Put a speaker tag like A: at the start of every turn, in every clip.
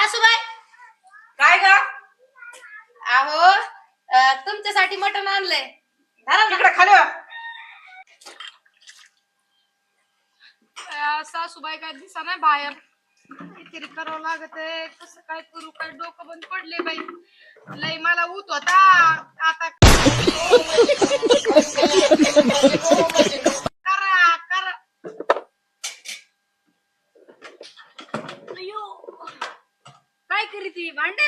A: सासूबाई
B: काय ग?
A: अहो तुमच्यासाठी मटण आणलंय.
B: तिकडे खाली वा.
C: सासूबाई काय दिसा नाही बाहेर. काहीतरी करावं लागत आहे. कसं काय करू, काय डोकं बंद पडले बाई. लय मला ऊत होता आता. करा करा. अयो काय करी ती भांडे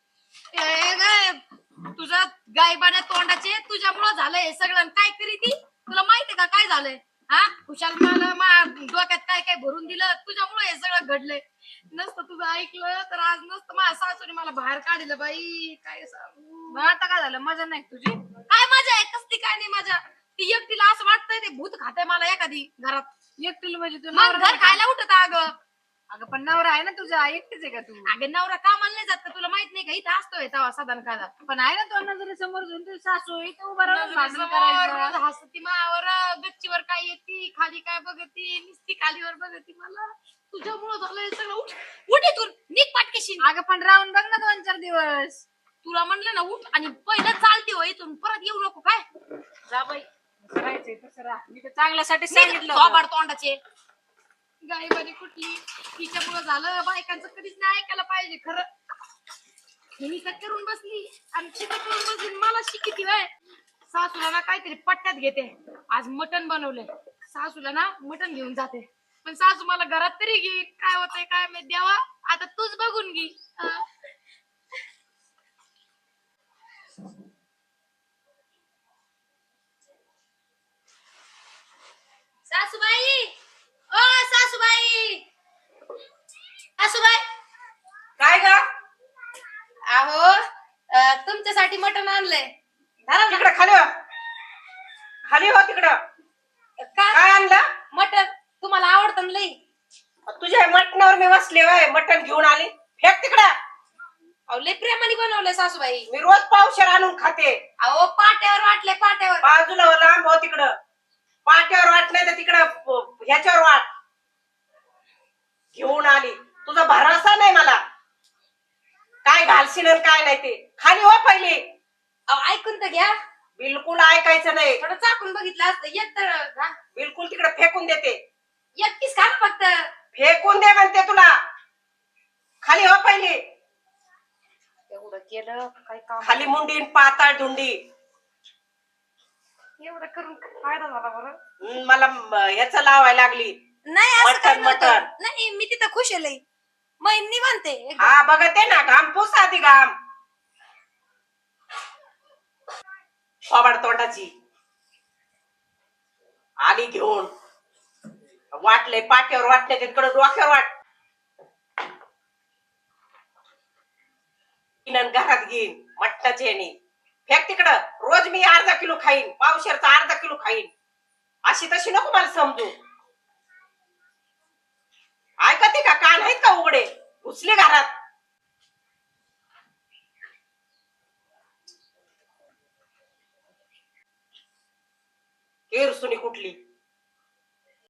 C: तुझा गायबाने तोंडाचे तुझ्यामुळं झालंय हे सगळं. काय करी ती तुला माहितीये का काय झालंय? हा खुशाल मला डोक्यात काय काय भरून दिलं तुझ्यामुळे हे सगळं घडलंय. नसतं तुझं ऐकलं तर आज नसतं माझ्या सासूने मला बाहेर काढलं बाई. काय सांगू आता काय झालं? मजा नाही तुझी? काय मजा आहे? कसली काय नाही मजा. ती एकटीला असं वाटतंय ते भूत खाते मला एखादी घरात. एकटीला म्हणजे तुला घर खायला उठत अगं. अगं पण नवरा आहे ना तुझा, एकटीच आहे का तू? अगं नवरा कामाला नाही जात का? तुला माहित नाही का इथं असतोय तेव्हा साधारण खायला. पण आहे ना तो नजरे समोर घेऊन तुझी सासू इथं उभा राहून भांडण करायचं. हसती मावर गच्चीवर काय येते खाली काय बघती नुसती खालीवर बघती. मला तुझ्यामुळं झालंय सगळं. उठ इथून निघ पाटकेशी. अगं पण राहून बघ ना 2-4 दिवस. तुला म्हणलं ना उठ आणि पहिलं चालते हो इथून परत येऊ नको. काय जा बाई करायचंय तसं राह. मी तर चांगल्यासाठी सांगितलं. तोंडाचे गायबाने कुठली तिच्यामुळं झालं. बायकांचं कधीच नाही ऐकायला पाहिजे खरं. मी करून बसली आणि शिका करून बसली मला शिकिती वय. सासूला ना काहीतरी पट्ट्यात घेते. आज मटण बनवलंय. सासूला ना मटण घेऊन जाते. पण सासू मला घरात तरी घे. काय होतंय काय मी द्यावा आता तूच बघून घे. सासूबाई ओ सासूबाई सासूबाई
B: काय ग?
A: अहो तुमच्यासाठी मटण आणलंय.
B: तिकडे खाली वा. खाली हो तिकडं. काय आणलं?
A: मटण तुम्हाला आवडतं ना लई.
B: तुझ्या मटणावर मी बसले वय. मटण घेऊन आली. फेक तिकडं.
A: अहो लई प्रेमाने बनवलंय सासूबाई.
B: मी रोज पावशेर आणून खाते.
A: अहो पाट्यावर वाटले पाट्यावर.
B: बाजूला लांब हो तिकडं. पाट्यावर वाट नाही तर तिकडं ह्याच्यावर वाट. घेऊन आली. तुझा भरोसा नाही मला. काय घालशील काय नाही ते. खाली हो पहिली.
A: अहो ऐकून तर घ्या.
B: बिलकुल ऐकायचं नाही.
A: थोडं चाकून बघितलं असतं. एक तर
B: बिलकुल तिकडे फेकून देते.
A: एक पीस खा ना फक्त.
B: फेकून दे म्हणते तुला. खाली हो पहिली.
A: एवढं केलं काय काम.
B: खाली मुंडी पाताळ धुंडी.
A: एवढं करून फायदा झाला बरं.
B: मला याच लावायला लागली.
A: नाही असं काय
B: मटण
A: नव्हतं. नाही मी तिथं खुश आहे लई. मग निवांते.
B: हा बघते ना. घाम पुस आधी घाम. थोबाड तोंडाची आली घेऊन. वाटले पाट्यावर वाटले तिकडं डोक्यावर वाट. घरात घेईन मटणाची येणी. फेक तिकडं. रोज मी अर्धा किलो खाईन. पावशेरचा अर्धा किलो खाईन. अशी तशी नको मला समजू. ऐकते का? कान आहेत का उघडे? घुसले घरात. केरसुनी कुठली